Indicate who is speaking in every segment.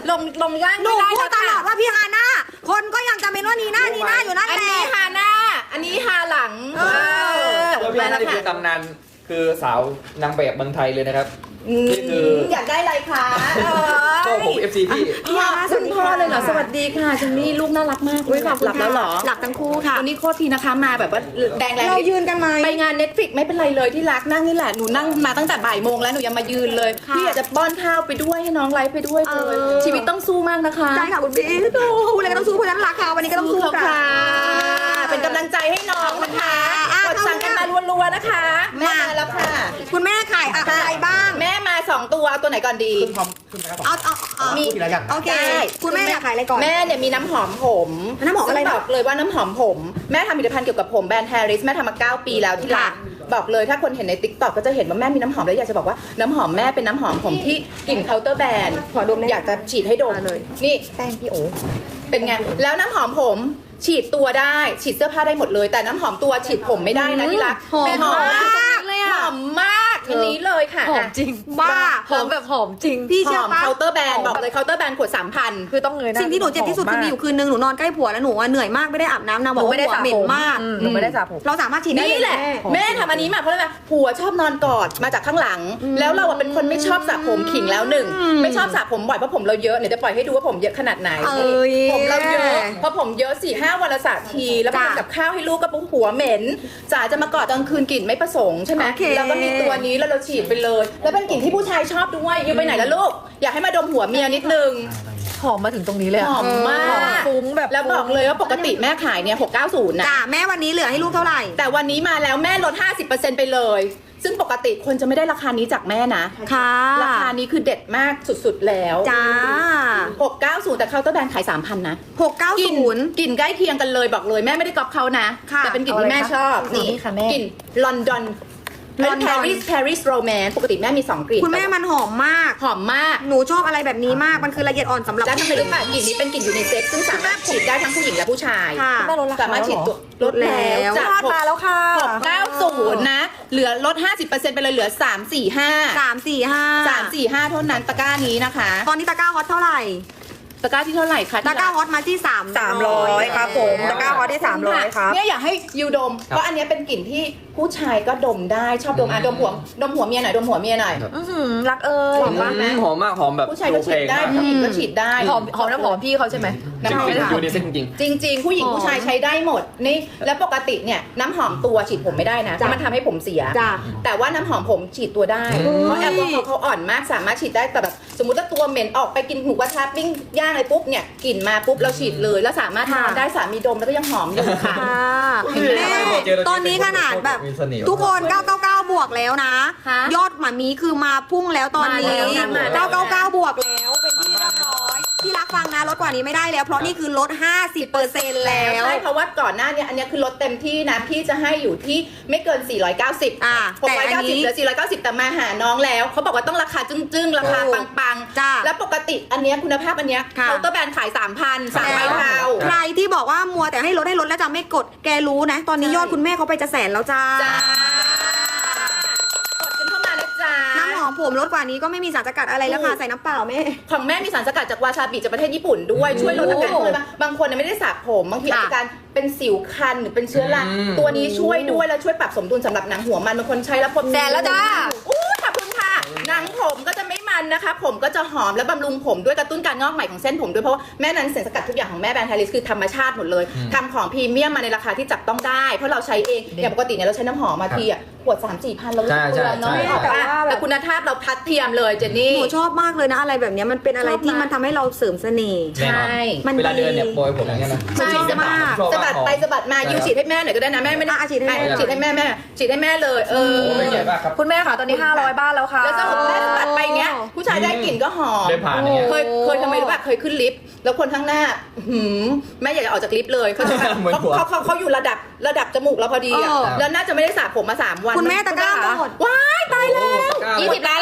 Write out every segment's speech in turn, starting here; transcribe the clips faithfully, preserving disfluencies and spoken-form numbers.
Speaker 1: ลงลงย่าง
Speaker 2: หนู
Speaker 1: ไม่ได้
Speaker 2: พูดตลอด
Speaker 1: ค่ะ
Speaker 2: ว่าพี่ฮาน่าคนก็ยังจะเป็นว่านีน่านีน่าอยู่นั่น
Speaker 1: อัน
Speaker 2: แหละ
Speaker 1: นี้ฮาหน้าอันนี้ฮาหลังเออ
Speaker 3: แล้วพี่ฮาน่านี่คือตำนานคือสาวนางแบบเมืองไทยเลยนะครับนี่คือ
Speaker 1: อยากได้อะไรคะ
Speaker 3: ก็ผม เอฟ ซี พี่
Speaker 2: พี่ฮาน่าส
Speaker 1: คุ
Speaker 2: วัส
Speaker 1: ณ
Speaker 2: ดี
Speaker 1: พ่อ
Speaker 2: ค่ะ
Speaker 1: เลยเหรอสวัสดีค่ะจันนี่ลูกน่ารักมาก
Speaker 2: อุ๊ยขอบคุณ
Speaker 1: หลับแล้วเหรอ
Speaker 2: หลับทั้งคู่ค่ะ
Speaker 1: วันนี้โคตรทีนะคะมาแบบว่าแดงแรง
Speaker 2: เรายืนกันไหม
Speaker 1: ไปงานเน็ตฟิกไม่เป็นไรเลยที่รักนั่งนี่แหละหนูนั่งมาตั้งแต่บ่ายโมงแล้วหนูยังมายืนเลย
Speaker 2: ค่ะ
Speaker 1: พี่อยากจะป้อนข้าวไปด้วยให้น้องไลฟ์ไปด้วยเลย
Speaker 2: เออ
Speaker 1: ชีวิตต้องสู้มากนะคะ
Speaker 2: ใช่ค่ะคุณพี่โอ้พูดอะไรก็ต้องสู้เพราะฉะนั้นราคาวันนี้ก็ต้องสู้
Speaker 1: สู้
Speaker 2: ค่ะ
Speaker 1: ค่ะเป็นกำลังใจให้น้องนะคะ
Speaker 2: อ่ะ
Speaker 1: กดสั่งกันมารัวๆนะคะแม่มาแล้วค่ะ
Speaker 2: คุณแม่ขายอะไรบ้าง
Speaker 1: แม่มาสองตัวเอาตัวไหนก่อนดี
Speaker 2: เอาเอาเอา
Speaker 1: มี
Speaker 2: โอเค
Speaker 1: ได้
Speaker 2: คุณแม่อยากขายอะไรก่อน
Speaker 1: แม่เนี่ยมีน้ำหอมผม
Speaker 2: น้ำหอมอะไรนะ
Speaker 1: ซึ่งบอกเลยว่าน้ำหอมผมแม่ทำผลิตภัณฑ์เกี่ยวกับผมแบรนด์แฮร์ริสแม่ทำมาเก้าปีแล้วที่รักบอกเลยถ้าคนเห็นในติ๊กต็อกก็จะเห็นว่าแม่มีน้ำหอมแล้วอยากจะบอกว่าน้ำหอมแม่เป็นน้ำหอมผมที่กลิ่นเคาน์เตอร์แบรนด์
Speaker 2: ขอดมได้
Speaker 1: อยากจะฉีดให้ดม
Speaker 2: มาเลย
Speaker 1: นี่แป้งพี่โอเป็นไงแล้วน้ำหอมผมฉีดตัวได้ฉีดเสื้อผ้าได้หมดเลย แต่น้ำหอมตัวฉีดผมไม่ได้นะที่รัก
Speaker 2: หอม
Speaker 1: แม่หอม
Speaker 2: มาก
Speaker 1: เลยอะหอมมากอันนี้เลยค่ะ
Speaker 4: หอมจริง
Speaker 2: บ้า
Speaker 4: หอมแบบหอมจริง
Speaker 2: พี่
Speaker 1: ห
Speaker 2: เชื่อ
Speaker 1: อม
Speaker 2: ปะ
Speaker 1: เคาน์เตอร์แบรนด์บอกเลยเคาน์เตอร์แบรนด์ขวดสามพัน
Speaker 4: คือต้องเงยหน้า
Speaker 2: สิ่งที่หนูเจ็บที่สุดคือมีอยู่คืนนึงหนูนอนใกล้ผัวแล้วหนูอะเหนื่อยมากไม่ได้อาบน้ำนางบอกว่าหัวเหม็นมาก
Speaker 4: อืหนูไม่ได้สระผม
Speaker 2: เราสามารถฉีดได้
Speaker 1: นี่แหละ
Speaker 2: แม่
Speaker 1: แม่ทำอันนี้มาเพราะอะไรผัวชอบนอนกอดมาจากข้างหลัง แล้วเราอะเป็นคนไม่ชอบสระผมขิงแล้วหนึ่งไม่ชอบสระผมบ่อยเพราะผมเราเยอะเดี๋ยวจะปล่อยให้ดูว่าผมเยอะขนาดไหน
Speaker 2: เอ้ย
Speaker 1: ผมเราเยอะเพราะผมเยอะสี่ห้าวันละสระทีแล้วมา
Speaker 2: จ้ะ
Speaker 1: ทำกับข้าวให้ลูกก็ปุ๊บหัวเหม็นจ๋าจะมากอดตอนคืนกลิ่นไม่ประสงค์ใช่ไหม
Speaker 2: โอเค
Speaker 1: แล้วก็มีตัวนี้แล้วเราฉีดไปเลย แล้วเป็นกลิ่นที่ผู้ชายชอบด้วยอยู่ไปไหนแล้วลูกอยากให้มาดมหัวเมียนิดนึง
Speaker 4: หอมมาถึงตรงนี้เลยะ
Speaker 1: หอมมาก
Speaker 4: หอมฟุ้งแบบ
Speaker 1: แล้วบอกเลยว่าปกติแม่ขายเนี่ยหกเก้าศูนย์นะ
Speaker 2: จ้าแม่วันนี้เหลือให้ลูกเท่าไหร่
Speaker 1: แต่วันนี้มาแล้วแม่ลด ห้าสิบเปอร์เซ็นต์ ไปเลย ซึ่งปกติคนจะไม่ได้ราคานี้จากแม่นะ
Speaker 2: ค่ะ
Speaker 1: ราคานี้คือเด็ดมากสุดๆแล้ว
Speaker 2: จ้า
Speaker 1: หกเก้าศูนย์แต่เคาน์เตอร์แบรนด์ขาย สามพัน นะ
Speaker 2: หกเก้าก
Speaker 1: ลิ่น
Speaker 2: ศูนย์
Speaker 1: กลิ่นใกล้เคียงกันเลยบอกเลยแม่ไม่ได้ก๊อปเขานะ
Speaker 2: ค่ะ
Speaker 1: แต่เป็นกลิ่นที่แม่ชอบ
Speaker 4: นี่ค่ะแม่
Speaker 1: กลิ่นลอนดอน
Speaker 2: ล
Speaker 1: ล
Speaker 2: อ
Speaker 1: อน น
Speaker 2: ด
Speaker 1: ปา
Speaker 2: อน
Speaker 1: รีสปารีสโรแมนปกติแม่มีสองกลิ่น
Speaker 2: คุณแม่มันหอมมาก
Speaker 1: หอมมาก
Speaker 2: หนูชอบอะไรแบบนี้มาก มันคือละเอียดอ่อนสำหรับ
Speaker 1: แล้วทำไมรู้ป่ะกลิ่นนี้เป็นกลิ่นยูนิเซ็กซ์ซึ่งสามารถฉีดได้ทั้งผู้หญิงและผู้ชาย
Speaker 2: ค่ะ
Speaker 4: แม่ลดราคา
Speaker 1: สามารถฉีดตัวลดแล้ว
Speaker 2: ลดแล้ว
Speaker 1: จาก
Speaker 4: ยอดมาแล้วค่ะ
Speaker 1: หกเก้าศูนย์นะ เหลือลด ห้าสิบเปอร์เซ็นต์ ไปเลยเหลือ สามสี่ห้า
Speaker 2: สามสี่ห้า
Speaker 1: สามสี่ห้าเท่านั้นตะกร้านี้นะคะ
Speaker 2: ตอนนี้ตะกร้าฮอตเท่าไหร่
Speaker 1: ตะกร้าที่เท่าไหร่คะ
Speaker 2: ตะกร้าฮอตมาที่สาม
Speaker 4: สามร้อยครับผมตะกร้าฮอตได้สามร้อยครับ
Speaker 1: เนี่ยอยากให้ยูดม เพราะอันเนี้ยเป็นกลิ่นที่ผู้ชายก็ดมได้ชอบดมอ่ะดมหัวดมหัวเมียหน่อยดมหัวเมียหน่อย
Speaker 4: อื้อหือรักเอ้ย
Speaker 1: หอมมากไหม
Speaker 3: หอมมากหอมแบบ
Speaker 1: ผู้ชายก็ฉีดได้
Speaker 3: โอเค
Speaker 1: ผู้หญิงก็ฉีดได้
Speaker 4: หอมหอมน้ำหอมพี่เขาใช่ไหม
Speaker 3: มาก
Speaker 1: น้ำหอม
Speaker 3: จริงๆยูนิเซ็กจริง
Speaker 1: จริง ๆ ผู้หญิง
Speaker 4: หอม
Speaker 1: ผู้ชายใช้ได้หมดนี่แล้วปกติเนี่ยน้ำหอมตัวฉีดผมไม่ได้นะเพ
Speaker 2: จ้ะ
Speaker 1: ราะมันทำให้ผมเสีย
Speaker 2: จ้ะ
Speaker 1: แต่ว่าน้ำหอมผมฉีดตัวได้ เพราะแอลกอฮอล์เขาอ่อนมากสามารถฉีดได้แต่แบบสมมติว่าตัวเหม็นออกไปกินหมูกระทะปิ้งย่างอะไรปุ๊บเนี่ยกลิ่นมาปุ๊บเราฉีดเลยแล้วสามารถนอนได้สามีดมแล้วก็ยังหอมอยู่ค่ะ
Speaker 2: ค่ะ
Speaker 1: เห็นไหม
Speaker 2: แม่ตอนนี้ขนาดแบบ
Speaker 3: มีเสน่ห์
Speaker 2: ทุกคน เก้าเก้าเก้า บวกแล้วนะ
Speaker 1: ฮะ
Speaker 2: ยอดหมามีคือมาพุ่งแล้วตอนนี้
Speaker 1: มาแล้วนะมาแล้ว
Speaker 2: เก้าเก้าเก้า บวกแล้ว เป็นที่เรียบร้อย ที่รักฟังนะลดกว่านี้ไม่ได้แล้ว เพราะนี่คือลด ห้าสิบเปอร์เซ็นต์ แล้ว
Speaker 1: ใช่เพราะว่าก่อนหน้าเนี้อันเนี้ยคือลดเต็มที่นะพี่จะให้อยู่ที่ไม่เกิน สี่ร้อยเก้าสิบ
Speaker 2: อ่า
Speaker 1: หก
Speaker 2: แต่
Speaker 1: ร้อย
Speaker 2: อัน
Speaker 1: เก้าสิบ
Speaker 2: นี้
Speaker 1: เหลือ สี่ร้อยเก้าสิบ แต่มาหาน้องแล้วเขาบอกว่าต้องราคาจึ้งๆ ราคา
Speaker 2: ถูก
Speaker 1: ปัง
Speaker 2: จ้า
Speaker 1: ๆ แล้วปกติอันเนี้ยคุณภาพอันเนี้ย
Speaker 2: ค่ะ
Speaker 1: เคาน์เตอร์แบรนด์ขาย สามพัน สามใบเทา
Speaker 2: ใครที่บอกว่ามัวแต่ให้ลดให้ลดแล้วจะไม่กด แกรู้นะ ตอนนี้
Speaker 1: ใช่
Speaker 2: ยอดคุณแม่เขาไปจะแสนแล้วจ้า
Speaker 1: จ้ากดกันเข้ามานะจ๊ะ
Speaker 2: น้ำหอมผมลดกว่านี้ก็ไม่มีสารสกัดอะไรแล้วค่ะ ใส่น้ำเปล่าแม่
Speaker 1: ของแม่มีสารสกัดจากวาซาบิจากประเทศญี่ปุ่นด้วยช่วยลดอาการเลยบางคนเนี่ยไม่ได้สระผมบางทีอา
Speaker 2: ค่ะ
Speaker 1: การเป็นสิวคันหรือเป็นเชื้อรา
Speaker 3: อืม
Speaker 1: ตัวนี้ช่วยด้วยแล้วช่วยปรับสมดุลสำหรับหนังหัวมันบางคนใช้แล้วผม
Speaker 2: แสนแล้วจ้า
Speaker 1: อู้ขอบคุณค่ะหนังผมก็จะไม่มันนะคะ ผมก็จะหอมและบำรุงผมด้วยกระตุ้นการงอกใหม่ของเส้นผมด้วยเพราะว่าแม่นั้นสารสกัดทุกอย่างของแม่แบรนด์ไฮริสคือธรรมชาติหมดเลยทำของพรีเมียมมาในราคาที่จับต้องได้เพราะเราใช้เองอย่างปกติเนี่ยเราใช้น้ำหอมมาทีอ่ะขวดสามสี่พันเรารู้สึกเปลืองเนาะ
Speaker 3: ใช่ใช่
Speaker 1: ออกปะ
Speaker 2: แต่ว่าแบบ
Speaker 1: แต่คุณภาพเราทัดเทียมเลยเจนนี่
Speaker 2: หนูชอบมากเลยนะอะไรแบบเนี้ยมันเป็นอะไรที่มันทำให้เราเสริมเสน่ห์
Speaker 1: ใช่
Speaker 2: มัน
Speaker 3: เวลา
Speaker 2: ดี
Speaker 3: เดินเนี่ยโปรยผมอย่างเงี้ยนะ
Speaker 2: ใช่
Speaker 3: จริงๆ
Speaker 2: มาก
Speaker 3: ชอบ
Speaker 1: สะบัดไป
Speaker 3: มาก
Speaker 1: สะบัดมายูฉีดให้แม่หน่อยก็ได้นะแม่ไม่ได้
Speaker 2: อ่ะฉีดให้แม่
Speaker 1: อ่ะฉีดให้แม่แม่ฉีดให้แม่เลยเออ
Speaker 3: โอ้ไม่ใหญ่มากครับ
Speaker 4: คุณแม่ค่ะตอนนี้ห้าร้อยบ้านแล้วค่ะ
Speaker 1: แล้วสะบัดแม่สะบัดไปอย่างเงี้ยผู้ชายได้กลิ่นก็หอม
Speaker 3: เดินผ่านอย่างเงี้ย
Speaker 1: เคยเคยทำไมรู้ป่ะเคยขึ้นลิฟต์แล้วคนข้างหน้าหืมแม่อยากจะออกจากลิฟต์เลยเขาจะ
Speaker 3: เหมือน
Speaker 1: เขา
Speaker 3: หัว
Speaker 1: เขาเขาเขาอยู่ระดับระดับจมูกเราพอดีอะ
Speaker 2: เออ
Speaker 1: แล้วน่าจะไม่ได้สระผมมาสามวัน
Speaker 2: คุณแม่ตะกร้าหมด
Speaker 1: ว้ายตายแล้ว
Speaker 3: โอ้ตะกร้าหมด
Speaker 1: ยี่สิบล้านแล้วครับ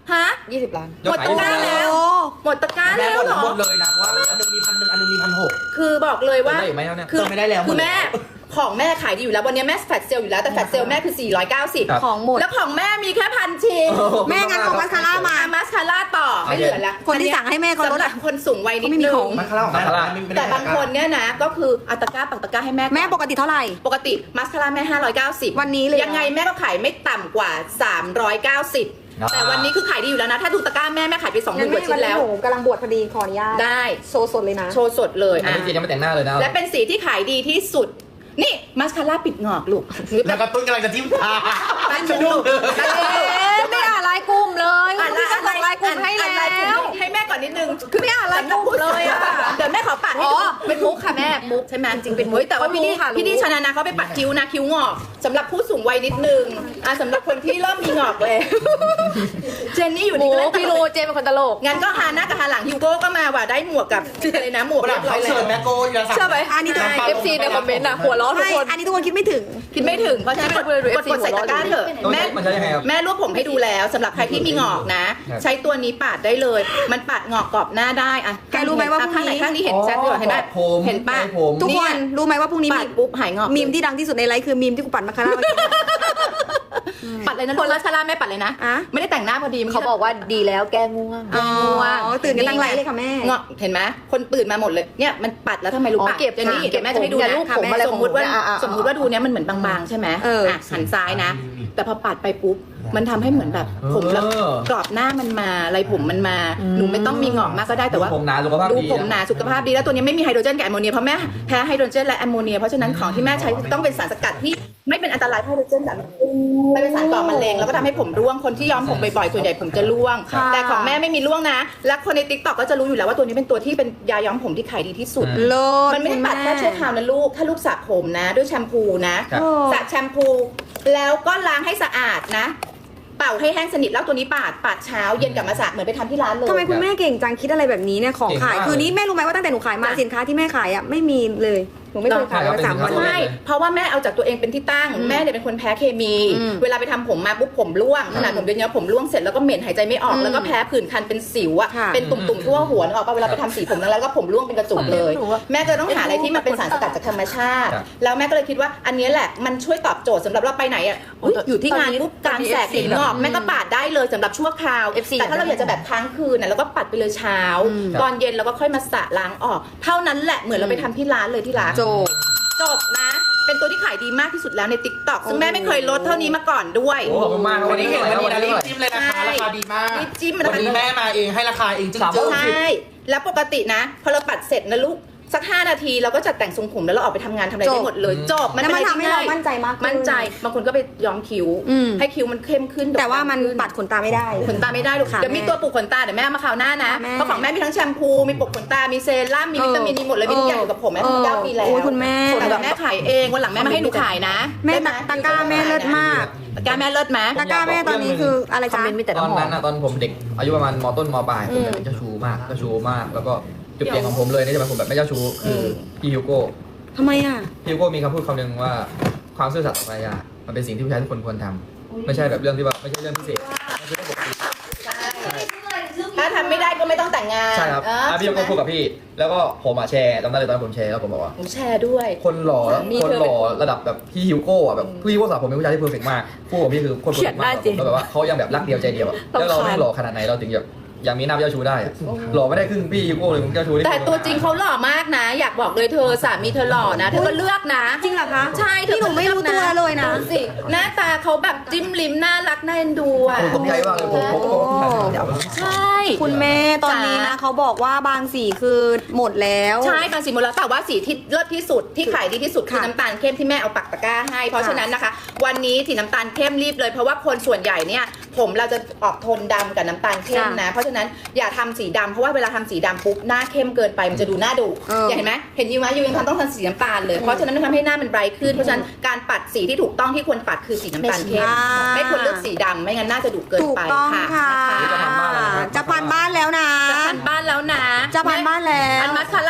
Speaker 1: ฮะ
Speaker 4: ยี่สิบล้าน
Speaker 1: หมดตะกร้าแล้ว
Speaker 2: โอ้
Speaker 1: หมดตะกร้า
Speaker 5: แม่
Speaker 1: แล้ว
Speaker 5: หมด
Speaker 1: เหรอ
Speaker 5: หมดเลยนะว่าอันหนึงมีพันหนึ่งอันหนึงมีพันหก
Speaker 1: คือบอกเลยว่า
Speaker 3: ได้อีกไหมครับเนี่ย
Speaker 1: คือ
Speaker 5: เติมไม่ได้แล้ว
Speaker 1: คือ
Speaker 5: หมด
Speaker 1: แม่ของแม่ขายดีอยู่แล้ววันนี้แม่แฟลชเซลอยู่แล้วแต่แฟลชเซลแม่คือ สี่ร้อยเก้าสิบ
Speaker 3: ครับ
Speaker 4: ของหมด
Speaker 1: แล้วของแม่มีแค่พันชิ้น
Speaker 2: แม่งั้นของมัสคาร่ามา
Speaker 1: อามาสคาร่าต่อไม่เหลือแล้ว
Speaker 2: คนที่สั่งให้แม่เขาลด
Speaker 1: สำหรั
Speaker 2: อะ
Speaker 1: บคนสูงวัยนิด
Speaker 2: เขาไม่มี
Speaker 1: นึ
Speaker 2: ของ
Speaker 1: ง
Speaker 5: มันคาราของแม่
Speaker 3: มาคาร่า
Speaker 5: ไม่ไม่ได้
Speaker 1: แต่บางคนเนี่ยนะก็คืออัตราก้าปักตะกร้าให้แม่
Speaker 2: แม่ปกติเท่าไหร่
Speaker 1: ปกติมัสคาร่าแม่ห้าร้อยเก้าสิบ
Speaker 2: วันนี้เลยเหรอ
Speaker 1: ยังไงแม่ก็ขายไม่ต่ำกว่าสามร้อยเก้าสิบ
Speaker 3: อ่า
Speaker 1: แต่วันนี้คือขายดีอยู่แล้วนะถ้าดูตะกร้าแม่แม่ขายไปสองหมื่นกว่าชิ้นแล้ว
Speaker 2: หนูกำลังบวชพอดีขออนุญาต
Speaker 1: ได้
Speaker 2: โชว์สดเลยนะ
Speaker 1: โชว์สดเลย
Speaker 3: อัน
Speaker 1: อ่ะ
Speaker 3: นี้เจนยังไม่แต่งหน้าเลยนะ
Speaker 1: และเป็นสีที่ขายดีที่สุด นี่มัสคาร่าปิดงอกลูกหรือแบ
Speaker 5: แล้ว
Speaker 1: บ
Speaker 5: ก็ตุ้นกำลังจะทิ่มตา
Speaker 1: แป๊บนึงลูกแป๊บนึง
Speaker 4: เอ๊ะไม่อ่านไลน์กลุ่มเลย
Speaker 1: อ่าน
Speaker 4: พี่ก็ส่งไลน์กลุ่มให้
Speaker 1: อ่านไลน์ก
Speaker 4: แล้
Speaker 1: ลุ่ม
Speaker 4: ว
Speaker 1: ให้แม่ก่อนนิดนึง
Speaker 4: คือไม่อ่านไลน์กลุ่มเลยอะ
Speaker 1: เดี๋ยวแม่ขอปัดให้
Speaker 4: อ๋อ
Speaker 1: ดู
Speaker 4: เป็นมุกค่ะแม่มุก
Speaker 1: ใช่ไหม
Speaker 4: จริงๆเป็นมุก
Speaker 1: เฮ้ยแต่ว่าพี่ดี
Speaker 4: เขารู้ค่ะรู้
Speaker 1: พี่ดีชนะนะเขาไปปัดคิ้วนะคิ้วงอกสำหรับผู้สูงวัยนิดนึงอ่ะสำหรับคนที่เริ่มมีงอกเลยเจนนี่อยู่
Speaker 4: หมู
Speaker 1: นี่ก็เล่นต
Speaker 4: พี่
Speaker 1: ล
Speaker 4: รู้
Speaker 1: ก
Speaker 4: เจเป็นคนตลก
Speaker 1: งั้นก็ฮาหน้ากับฮาหลังฮิวโก้ก็มาว่ะได้หมวกกับอะไรนะหมวก
Speaker 5: เว
Speaker 1: เรี
Speaker 5: ลาย
Speaker 1: บร้อ
Speaker 5: เขา
Speaker 1: ยแล้
Speaker 5: เชิญ
Speaker 1: ว
Speaker 5: แม่โก้ยาสั่ง
Speaker 2: เชื่อไหมอันนี้ตัว
Speaker 4: เอฟซีในคอมเมนต์อะหัวเร้อนทุก
Speaker 2: ใช่
Speaker 4: คน
Speaker 2: อันนี้ทุกคนคิดไม่ถึง
Speaker 1: คิดไม่ถึงเพราะฉะนั้นกด
Speaker 4: ไม่รู้
Speaker 1: กดกดใส่ตะกร้าเถอะ
Speaker 3: ต้อง
Speaker 1: แม่
Speaker 3: ใช้มันใช้ยังไงครับ
Speaker 1: แม่รวบผมให้ดูแล้วสำหรับใครที่มีงอกนะ
Speaker 3: ครับ
Speaker 1: ใช้ตัวนี้ปาดได้เลย มันปาดงอกกรอบหน้าได้อะ
Speaker 2: แกรู้ไหมว่าพรุ่งนี้
Speaker 1: ข้างไหนข้างนี้เห็นชัดด้วยเห็นไหม
Speaker 3: ผม
Speaker 1: เห็นปะ
Speaker 3: ผม
Speaker 2: ทุกคนรู้ไหมว่าพรุ่งนี้
Speaker 1: ปา
Speaker 2: มี
Speaker 1: ดปุ๊บหายงอก
Speaker 2: มีมที่ดังที่สุดในไลฟ์คือมีมที่กูปั่นมาคาร่าเมื่อกี้
Speaker 1: ปัดเลยนะคนละชาลาแม่ปัดเลยนะ
Speaker 2: อะ
Speaker 1: ไม่ได้แต่งหน้าพอดี
Speaker 4: เขาบอกว่าดีแล้วแก้ง่วง
Speaker 2: อ๋อตื่นกันตั้งไลฟ์เลยค่ะแม่
Speaker 1: งอกเห็นไหมคนตื่นมาหมดเลยเนี่ยมันปัดแล้วทำไมรู้
Speaker 4: อ๋อ
Speaker 1: ปะ
Speaker 4: เก็บ
Speaker 1: เดี๋ยวนี้
Speaker 4: ค่ะ
Speaker 1: เดี๋ยวแม่จะให้ดู
Speaker 4: อย่า
Speaker 1: นะ
Speaker 4: ลูบผมอะไร
Speaker 1: สมมติว่า
Speaker 4: ของผมเนี่ยอ่ะอ่ะ
Speaker 1: สมมติว่าดูเนี้ยมันเหมือนบางๆใช่ไหม
Speaker 2: เอออ่
Speaker 1: ะหันซ้ายนะ แต่พอปัดไปปุ๊บมันทำให้เหมือนแบบผมแล้ว
Speaker 3: เออก
Speaker 1: รอบหน้ามันมาอะไรผมมันมาหนูไม่ต้องมีงอกมากก็ได้แต่ว่า
Speaker 3: ดูผมหนาสุขภาพ
Speaker 1: ดู
Speaker 3: ดี
Speaker 1: ผมหนาสุขภาพดีแล้วตัวนี้ไม่มีไฮโดรเจนกับแอมโมเนียเพราะแม่แพ้ไฮโดรเจนและแอมโมเนียเพราะฉะนั้นของที่แม่ใช้ต้องเป็นสารสกัดที่ไม่เป็นอันตรายเพราะไฮโดรเจนแบบไม่เป็นสารก่อมะเร็งแล้วก็ทำให้ผมร่วงคนที่ย้อมผมบ่อยๆส่วนใหญ่ผมจะร่วง
Speaker 2: ค่ะ
Speaker 1: แต่ของแม่ไม่มีร่วงนะ และคนในติ๊กต็อกก็จะรู้อยู่แล้วว่าตัวนี้เป็นตัวที่เป็นยาย้อมผมที่ขายดีที่สุด
Speaker 2: โลด
Speaker 1: มันไม่ได้ปัดแค่ชั่วคราวนะลูกถ้าลูกสระผมนะ ด้วยแชมพูนะครับ สระแชมพู แล้วก็ล้างให้สะอาดนะ เป่าให้แห้งสนิทแล้วตัวนี้ปาดปาดเช้าเย็นกลับมาสระเหมือนไปทำที่ร้านเลย
Speaker 2: ทำไมคุณแม่เก่งจังคิดอะไรแบบนี้เนี่ยของ
Speaker 3: เก่ง
Speaker 2: ขาย
Speaker 3: มาก
Speaker 2: คือนี้แม่รู้ไหมว่าตั้งแต่หนูขายมา
Speaker 1: จ้ะ
Speaker 2: สินค้าที่แม่ขายอ่ะไม่มีเลยหนูไม่เคยขาย
Speaker 3: ใช่ครับ
Speaker 2: มาสามวัน
Speaker 3: เป็นสินค้า
Speaker 1: ใช่เพราะว่าแม่เอาจากตัวเองเป็นที่ตั้ง แม่เนี่ยเป็นคนแพ้เคมี
Speaker 2: อืม
Speaker 1: เวลาไปทำผมมาปุ๊บผมร่วงขนาดผมเดือนนี้ผมร่วงเสร็จแล้วก็เหม็นหายใจไม่ออก
Speaker 2: อืม
Speaker 1: แล้วก็แพ้ผื่นคันเป็นสิวอะ
Speaker 2: ค่ะ
Speaker 1: เป็นตุ่มๆทั่วหัวนึกออกป่ะเวลาไปทำสีผมแล้วก็ผมร่วงเป็นกระจุกเลย แม่จะต้องหาอะไรที่มันเป็นสารสกัดจากธรรมชาติ
Speaker 3: ครับ
Speaker 1: แล้วแม่ก็เลยคิดว่าอันนี้แหละมันช่วยตอบโจทย์สำหรับเราไปไหนอ่ะอุ๊ยอยู่ที่งานปุ๊บกลางแสกเห็นงอกแม่ก็ปาดได้เลยสำหรับชั่วคราว
Speaker 4: เอฟซี
Speaker 1: แต่ถ้าเราอยากจะแบบค้างคืนน่ะเราก็ปัดไปเลยเช้า
Speaker 2: อืม
Speaker 1: ตอนเย็นเราก็ค่อยมาสระล้างออก เท่านั้นแหละเหมือนเราไปทำที่ร้านเลยที่ร้าน
Speaker 2: โจ
Speaker 1: จบนะ เป็นตัวที่ขายดีมากที่สุดแล้วใน ติ๊กต็อก ซึ่งแม่ไม่เคยลดเท่านี้มาก่อนด้วย
Speaker 3: โอ้ขอบคุณมากครับ
Speaker 5: วันนี้เห็นวันนี้นะรีบ
Speaker 3: วั
Speaker 5: จิ้มเลยนะคะ
Speaker 1: ใช่
Speaker 5: ราคาดีมาก
Speaker 1: รีบจิ้ม
Speaker 5: วันนี้แม่มาเองให้ราคาเองจริง
Speaker 3: สาม
Speaker 5: ๆ
Speaker 1: ใช่ แล้วปกตินะ พอเราปัดเสร็จนะลูก สักห้านาทีเราก็จัดแต่งทรงผมแล้วเราออกไปทำงานทำอะไรได้หมดเลย จบ มัน
Speaker 2: แล้ว
Speaker 1: เป็น
Speaker 2: มัน
Speaker 1: อะไร
Speaker 2: ทำให้
Speaker 1: ที่
Speaker 2: เรา
Speaker 1: ง่าย
Speaker 2: มั่นใจมากขึ้น
Speaker 1: มั่นใจ บางคนก็ไปย้อมคิ้ว
Speaker 2: อืม
Speaker 1: ให้คิ้วมันเข้มขึ้น
Speaker 2: แต่ว่ามัน
Speaker 1: ขึ้
Speaker 2: ปัดขนตาไม่ได้
Speaker 1: ขนตาไม่ได้ลูก
Speaker 2: ค่ะ
Speaker 1: เดี๋ยวมี
Speaker 2: แม่
Speaker 1: ตัวปลูกขนตาเดี๋ยวแม่เอามาคราวหน้านะ
Speaker 2: ค่ะแม่
Speaker 1: เพราะของแม่มีทั้งแชมพู มีปลูกขนตา มีเซรั่ม มีวิตามิน มีหมดเลย มีทุกอย่างอยู่กับผมแม่
Speaker 2: เออ
Speaker 1: ทำเก้าปีแล้ว
Speaker 2: โอ้ยคุณแม่
Speaker 1: แต่ว่าแม่ขายเอง วันหลังแม่มาให้หนูขายนะ
Speaker 2: แม่
Speaker 1: ได้ไห
Speaker 2: ตะกร้าแม่เลิศมาก
Speaker 1: ตะกร้าแม่เลิศไหม
Speaker 2: ตะกร้าแม่ตอนนี้คืออะไร
Speaker 4: คอม
Speaker 2: จ๊ะ
Speaker 4: เมนต์มีแต่
Speaker 3: ตอน
Speaker 4: น้ำหอ
Speaker 3: นั้น
Speaker 4: ม
Speaker 3: นะตอนผมเด็กอายุประมาณมต้นมปลายผมแบบเจ้าชู้มากเจ้าชู้มาก แล้วก็จุดเปลี่ยนของผมเลยนี่จะเป็นผมแบบไม่เจ้าชู้คือพี่ฮิวโก้
Speaker 2: ทำไมอ่ะ
Speaker 3: พี่ฮิวโก้มีคำพูดคำหนึ่งว่าความซื่อสัตย์ต่อภรรยามันเป็นสิ่งที่ผู้ชายทุกคนควรทำไม่ใช่แบบเรื่องที่ว่าไม่ใช่เรื่องพิเศษมันคือเรื่องปกติ
Speaker 1: ถ้าทำไม่ได้ก็ไม่ต้องแต่งงาน
Speaker 3: ใช่ครับ
Speaker 1: เออ
Speaker 3: อ่ะพี่ฮิวโก้พูดกับพี่ แล้วก็ผมอ่ะแชร์จำได้เลยตอนผมแชร์แล้วผมบอกว่า
Speaker 1: หนูแชร์ด้วย
Speaker 3: คนหล่อ
Speaker 1: สามี
Speaker 3: คน
Speaker 1: เธอ
Speaker 3: หล่อระดับแบบพี่ฮิวโก้อะแบบพี่ฮิวโก้สาวผมเป็นผู้ชายที่เพอร์เฟกต์มากคู่ของพี่คือคนเพอร์เฟกต์มาก
Speaker 4: เขียนได้จริง
Speaker 3: แล้วแบบว่าเขายังแบบรักเดียวใจเดียวอะ
Speaker 4: รำคาญ
Speaker 3: แล้วเราไม่หล่อขนาดไหนเราถึงแบบยังมีหน้าเจ้าชู้ได้อะหล่อไม่ได้ครึ่งพี่ฮิวโก้เลยมึงเจ้าชู้ที่
Speaker 1: แต่ตัวจริงเขาหล่อมากนะ อยากบอกเลยเธอสามีเธอหล่อนะเธอก็เลือกนะ
Speaker 2: จริงเหรอคะ
Speaker 1: ใช่เธอ
Speaker 2: พี่หนูไม่รู้ตัวเลยนะ
Speaker 1: ดูสิหน้าตาเขาแบบจิ้มลิ้มน่ารักน่าเอ็นดูอ่ะ
Speaker 3: ผมตกใจมากเลยผมผมผมผม
Speaker 1: ใช่
Speaker 2: คุณแม่ตอนนี้นะเขาบอกว่าบางสีคือหมดแล้ว
Speaker 1: ใช่บางสีหมดแล้วแต่ว่าสีที่เลิศที่สุดที่ขายดีที่สุดคือ
Speaker 2: ค่ะ
Speaker 1: น้ำตาลเข้มที่แม่เอาปักตะกร้าให้ เพราะฉะนั้นนะคะ วันนี้สีน้ำตาลเข้มรีบเลยเพราะว่าคนส่วนใหญ่เนี่ยผมเราจะออกโทนดำกับน้ำตาลเข้มนะ เพราะฉะนั้นอย่าทำสีดำเพราะว่าเวลาทำสีดำปุ๊บหน้าเข้มเกินไปมันจะดูหน้าดุ
Speaker 2: เออ
Speaker 1: อย่างเห็นไหมเห็นยูไหมยูยังทำต้องทำสีน้ำตาลเลยเพราะฉะนั้นมันทำให้หน้ามันไบรท์ขึ้นเพราะฉะนั้นการปัดสีที่ถูกต้องที่ควรปัดคือสีน้ำตาลเข้ม
Speaker 2: อ่า
Speaker 1: ไม่ควรเลือกสีดำไม่งั้นหน้าจะดุเกิน
Speaker 2: ถูก
Speaker 1: ไป
Speaker 2: ต้อง
Speaker 1: ค่ะ
Speaker 2: ค่ะ
Speaker 1: นะคะ
Speaker 2: จะพันบ้านแล้วนะ
Speaker 1: จะพันบ้านแล้วนะ
Speaker 2: จะพันบ้านแล้ว
Speaker 1: อันมาสคาร่าแม่มีแค่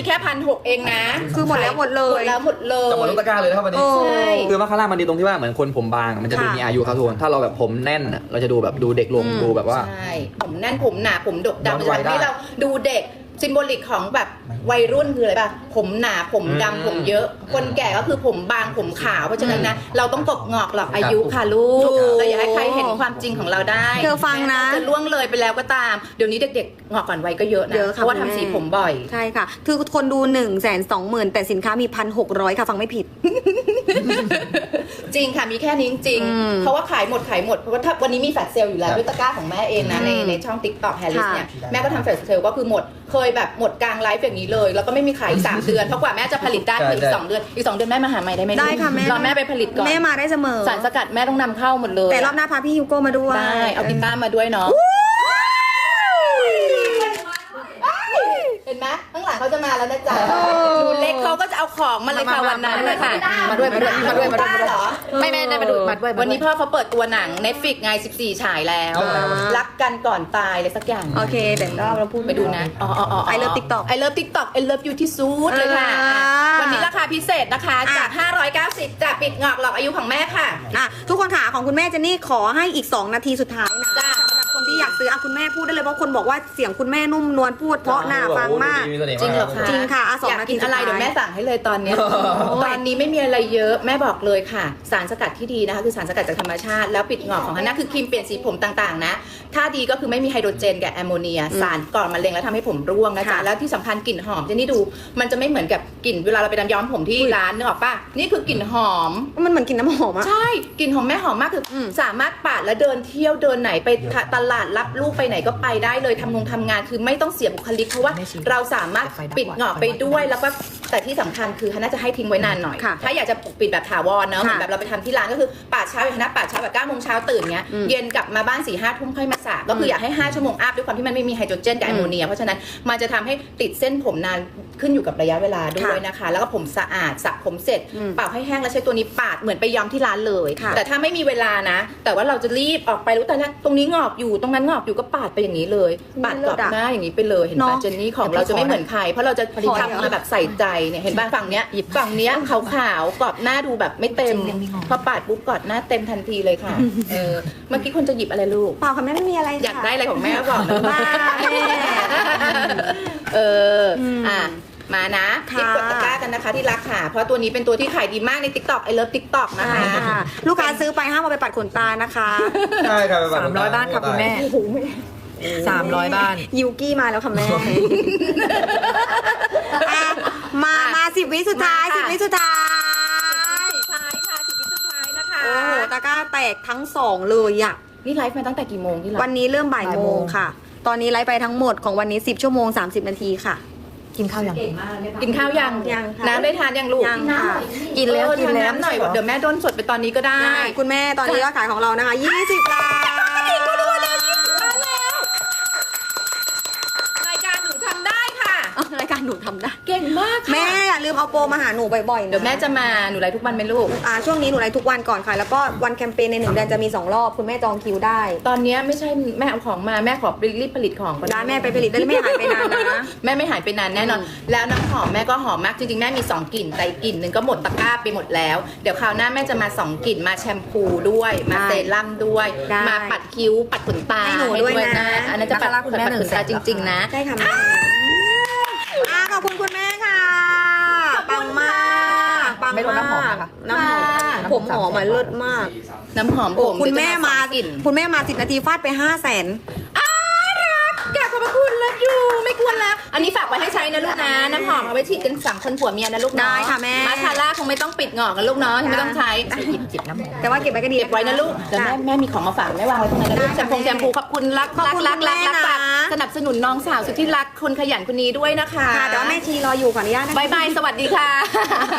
Speaker 1: แค่พันหกเองนะ
Speaker 2: คือหมดแล้วหมดเล
Speaker 1: หม
Speaker 2: ย
Speaker 1: ดแล้วหมดเล
Speaker 3: จะหมด
Speaker 1: ย
Speaker 3: ทุกตะกร้าเลยนะครับวันนี้
Speaker 2: โอ้
Speaker 1: ใช่
Speaker 3: คือมาคาร่ามันดีตรงที่ว่าเหมือนคนผมบางมันจะดู
Speaker 2: ค่ะ
Speaker 3: มีอายุครับทุกคนถ้าเราแบบผมแน่นอะเราจะดูแบบดูเด็กลง
Speaker 2: อืม
Speaker 3: ดูแบบว่า
Speaker 1: ใช่ผมแน่นผมหนาผมดก
Speaker 3: ย้อน
Speaker 1: ดำ
Speaker 3: วั
Speaker 1: จะ
Speaker 3: ยได้
Speaker 1: ทำให้เราดูเด็กซิมโบลิกของแบบวัยรุ่นคืออะไรป่ะผมหนาผม
Speaker 3: อืม
Speaker 1: ดำผมเยอะ คนแก่ก็คือผมบางผมขาวเพราะฉะนั้นนะเราต้องกบงอกหลอกอายุค่ะลูก
Speaker 2: ถูก
Speaker 1: เราอย่าให้ใครเห็นความจริงของเราได้
Speaker 2: เธอฟังนะ
Speaker 1: แม้เราจะล่วงเลยไปแล้วก็ตามเดี๋ยวนี้เด็กๆงอกก่อนวัยก็เยอะนะ
Speaker 2: เยอะค่ะ
Speaker 1: เพราะว่า
Speaker 2: คุณแม่
Speaker 1: ทำสีผมบ่อย
Speaker 2: ใช่ค่ะ คือคนดูหนึ่งแสนสองหมื่นแต่สินค้ามีพันหกร้อยค่ะ ฟังไม่ผิด
Speaker 1: จริงค่ะมีแค่นี้จริง
Speaker 2: อืม
Speaker 1: ๆเพราะว่าขายหมดขายหมดเพราะว่าถ้าวันนี้มีแฟลชเซลล์อยู่แล้วด้วยตะกร้าของแม่เองนะใน
Speaker 2: อืม
Speaker 1: ในช่อง TikTok แฮร์ริส
Speaker 2: ค่ะ
Speaker 1: เนี่ยแม่ก็ทำแฟลชเซลล์ก็คือหมดเคยแบบหมดกลางไลฟ์อย่างนี้เลย แล้วก็ไม่มีขายอีกสามเดือนเพราะกว่าแม่จะผลิตได้คืออีกสองเดือนอีกสองเดือนแม่มาหาใหม่ได้ไหมลูก
Speaker 2: ได้ค่ะแม่
Speaker 1: รอแม่ไปผลิตก่อน
Speaker 2: แม่มาได้เสมอ
Speaker 1: สารสกัดแม่ต้องนำเข้าหมดเลย
Speaker 2: แต่รอบหน้าพาพี่ฮิวโก้มาด้วย
Speaker 1: ได้เอากีตาร์มาด้วยเนาะเห็นไหมข้างหลังเขาจะมาแล้วนะจ๊ะหนูเล็กเขาก็จะเอาของมาเลยค่ะวันนั้นเลยค่ะ
Speaker 4: มาด้วยมาด้วยมาด้วยมาด้วย
Speaker 1: เหรอ
Speaker 4: ไม่แม่ได้มาดูมาด้วย
Speaker 1: วันนี้พ่อเขาเปิดตัวหนัง Netflix ไงสิบสี่ฉายแล้ว
Speaker 2: อ่า
Speaker 1: รักกันก่อนตายเลยสักอย่าง
Speaker 2: โอเคเดี๋ยวเราพูด
Speaker 1: ไปดูนะ อ๋ออ๋ออ๋อ
Speaker 2: I love TikTok
Speaker 1: I love TikTok I love you ที่สุดเลยค่ะ
Speaker 2: อ่า
Speaker 1: อ่ะ วันนี้ราคาพิเศษนะคะ
Speaker 2: อ่ะ
Speaker 1: จาก ห้าร้อยเก้าสิบจากปิดงอกหลอกอายุของแม่ค่ะ
Speaker 2: อ่ะทุกคนค่ะของคุณแม่เจนนี่ขอให้อีก 2 นาทีสุดท้ายนะ
Speaker 1: จ้ะ
Speaker 2: สำหรับคนที่อยากซื้ออ่ะคุณแม่พูดได้เลยเพราะคนบอกว่าเสียงคุณแม่นุ่มนวลพูดเพราะหน้าฟังมาก
Speaker 1: จริงเหรอคะ
Speaker 2: จริงค่ะอ่ะสอง
Speaker 1: อยาก
Speaker 2: นาที
Speaker 1: กินอะไร
Speaker 2: สุดท้าย
Speaker 1: เดี๋ยวแม่สั่งให้เลยตอนเนี้ยตอนนี้ไม่มีอะไรเยอะแม่บอกเลยค่ะ สารสกัดที่ดีนะคะคือสารสกัดจากธรรมชาติแล้วปิดงอกของฮันน่าคือครีมเปลี่ยนสีผมต่างๆนะถ้าดีก็คือไม่มีไฮโดรเจนกับแอมโมเนีย สารก่อมะเร็งแล้วทำให้ผมร่วงนะจ๊ะ
Speaker 2: ค่ะ
Speaker 1: แล้วที่สำคัญกลิ่นหอมเจนนี่ดู มันจะไม่เหมือนกับกลิ่นเวลาเราไปทำย้อมผมที่ร้านนึกออกปะนี่คือกลิ่นหอม
Speaker 2: มันเหมือนกินน้ำหอมอะ
Speaker 1: ใช่กลิ่นของแม่หอมมากคืออ
Speaker 2: ม
Speaker 1: สามารถปาดแล้วเดินเที่ยวเดินไหนไปตลาดรับลูกไปไหนก็ไปได้เลยทำงงทำงานคือไม่ต้องเสียบุคลิกเพราะว่าเราสามารถปิดหงอกไปด้วยแล้วก็แต่ที่สำคัญคือฮันน่าจะให้ทิ้งไว้นานหน่อย
Speaker 2: ค่ะ
Speaker 1: ถ้าอยากจะปกปิดแบบถาวรเนอะเหมือน
Speaker 2: ค่ะ
Speaker 1: แบบเราไปทำที่ร้านก็คือปาดเช้าอย่างฮันน่าปาดเช้าแบบเก้าโมงเช้าตื่นเงี้ย
Speaker 2: อืม
Speaker 1: เย็นกลับมาบ้านสี่ห้าทุ่มค่อยมาสระก็คืออยากให้ห้าชั่วโมงอัพด้วยความที่มันไม่มีไฮโดรเจนกับแอมโมเนียเพราะฉะนั้นมันจะทำให้ติดเส้นผมนานขึ้นอยู่กับระยะเวลาด้วยนะคะ แล้วก็ผมสะอาดสระผมเสร็จ
Speaker 2: อืม
Speaker 1: เป่าให้แห้งแล้วใช้ตัวนี้ปาดเหมือนไปย้อมที่ร้านเลย
Speaker 2: ค่ะ
Speaker 1: แต่ถ้าไม่มีเวลานะ แต่ว่าเราจะรีบออกไปรู้แต่ละตรงนี้งอกอยู่ตรงนั้นงอกอยู่ก็ปาดไปอย่างนี้เลย ปาดกรอบหน้าอย่างนี้ไปเลยเห็น
Speaker 2: เน
Speaker 1: ป่ะ
Speaker 2: อะ
Speaker 1: เจนนี่ของเราจะไม่เหมือนใคร เพราะเราจะ
Speaker 2: พอดี
Speaker 1: ทำมาแบบใส่ใจเนี่ยเห็นป่ะฝั่งเนี้ยฝั่งเนี้ยขาวๆกรอบหน้าดูแบบไม่เต็มพอปาดปุ๊บกรอบหน้าเต็มทันทีเลยค่ะเออเมื่อกี้คนจะหยิบอะไรลูก
Speaker 2: เปล่าค่ะแม่ไม่มีอะไร
Speaker 1: อยากได้อะไรของแม่ก็บอกนะ
Speaker 2: บ้าแม่
Speaker 1: เอออ
Speaker 2: ม
Speaker 1: อ่ะมานะ
Speaker 2: ค่ะ
Speaker 1: รีบกดตะกร้ากันนะคะที่รักค่ะ เพราะตัวนี้เป็นตัวที่ขายดีมากใน TikTok I love TikTok นะคะ
Speaker 2: ใช่ค่ะลูกค้าซื้อไปห้ามเอาไปปัดขนตานะคะ
Speaker 3: ใช่ครับ
Speaker 4: สามร้อยบ้านค่ะคุณแม่สามร้อยบ้าน
Speaker 2: ยูกี้มาแล้วค่ะแม่อ่ะมามาสิบวิสุดท้าย
Speaker 1: มา
Speaker 2: สิบ
Speaker 1: ค่ะ
Speaker 2: วิสุดท้าย
Speaker 1: สุดท้ายค่ะสิบวิสุดท้ายนะคะ
Speaker 2: โอ้โหตะกร้าแตกทั้งสองเลยอะ
Speaker 1: นี่ไลฟ์มาตั้งแต่กี่โมงที่เรา
Speaker 2: วันนี้เริ่มบ่าย
Speaker 4: บ่าย
Speaker 2: โม
Speaker 4: โม
Speaker 2: ง
Speaker 4: ง
Speaker 2: ค่ะ ตอนนี้ไลฟ์ไปทั้งหมดของวันนี้สิบชั่วโมงสามสิบนาทีค่ะ
Speaker 4: กินข้าวยัง
Speaker 1: กินข้าวยัง
Speaker 2: ยังค่ะ
Speaker 1: น้ำได้ทานยังลูก
Speaker 2: ยังค่ะ
Speaker 4: กินแล้ว
Speaker 1: เออ
Speaker 4: กิน
Speaker 1: ทาน
Speaker 4: แล้ว
Speaker 1: น้ำหน่อยเดี๋ยวแม่ด้นสดไปตอนนี้ก็ได้
Speaker 2: ได้คุณแม่ตอนนี้ยอดขายของเรานะคะยี่สิบล้าน
Speaker 1: รายการหนูทำได้ค่ะ
Speaker 2: รายการหนูทำได้
Speaker 1: เก่งมากค่ะ
Speaker 2: แม่อย่าลืมเอาโปรมาหาหนูบ่อยๆนะ
Speaker 1: เดี๋ยวแม่จะมาหนูไลฟ์ทุกวันไหมลูก
Speaker 2: อ่าช่วงนี้หนูไลฟ์ทุกวันก่อนค่ะ แล้วก็วันแคมเปญในหนึ่งเดือนจะมีสองรอบคุณแม่จองคิวได้
Speaker 1: ตอนเนี้ยไม่ใช่แม่เอาของมาแม่ขอรีบผลิตของก่อน
Speaker 2: ร้านแม่ไปผลิตได้ไม่หายไปนานนะ
Speaker 1: แม่ไม่หายไปนานแน่นอน แล้วน้ำหอมแม่ก็หอมมากจริงๆแม่มีสองกลิ่นแต่อีกกลิ่นหนึ่งก็หมดตะกร้าไปหมดแล้วเดี๋ยวคราวหน้าแม่จะมาสองกลิ่นมาแชมพูด้วยมา
Speaker 2: ได้
Speaker 1: เซรั่มด้วย
Speaker 2: ได้
Speaker 1: มาปัดคิ้วปัดขนตา
Speaker 2: ให้หนูด้วยนะ
Speaker 1: อันนั้นจะปัด
Speaker 4: นะคะคุณแม่
Speaker 1: ปัด
Speaker 4: หนึ่
Speaker 1: ข
Speaker 4: ง
Speaker 1: น
Speaker 4: แส
Speaker 1: ตาน จริง ๆ นะ
Speaker 2: ใช่ค่ะแม่อ่าขอบคุณคุณแม่ค่ะ ปังมาก ปัง
Speaker 4: ไม่ลดน้ำหอม
Speaker 2: มาก
Speaker 4: นะคะ
Speaker 2: น้ำหอมผมหอมมาเลิศมาก
Speaker 1: น้ำหอม
Speaker 2: โอ้
Speaker 1: ผม
Speaker 2: คุณแม่มา
Speaker 1: เดี๋ยวจะสองกลิ่น
Speaker 2: คุณแม่มาสิบนาทีฟาดไปห้าแสน
Speaker 1: กราบขอบพระคุณแล้วอยู่ไม่ควรแล้ว อันนี้ฝากไว้ให้ใช้นะลูกนะ น้ำหอมเอาไว้ฉีดกันสามคนผัวเมียนะลูกเนาะ
Speaker 2: ได้ค่ะแม่
Speaker 1: มาสคาร่าคงไม่ต้องปิดงอกกันลูกเนาะไม่ต้องใช้
Speaker 4: จิบจิบน้ำหอม
Speaker 2: แต่ว่าเก็บไว้ก็ดี
Speaker 1: เก็บไว้นะลูกเดี๋ยวแม่แม่มีของมาฝากแม่วางไว้ตรงนั้นนะลูก
Speaker 2: ได้
Speaker 1: แช
Speaker 2: ค่ะ
Speaker 1: มพู
Speaker 2: แม่
Speaker 1: แชมพูขอบคุณรัก
Speaker 2: ขอบ
Speaker 1: รัก
Speaker 2: คุณ
Speaker 1: รัก
Speaker 2: คุณ
Speaker 1: รัก
Speaker 2: แม่
Speaker 1: รัก
Speaker 2: นะ
Speaker 1: ฝากสนับสนุนน้องสาวสุดที่รักคนขยันคนนี้ด้วยนะคะ
Speaker 2: ค่ะแต่ว่าแม่ชีรออยู่ขออนุญาตนะคะ
Speaker 1: บายบายสวัสดีค่ะ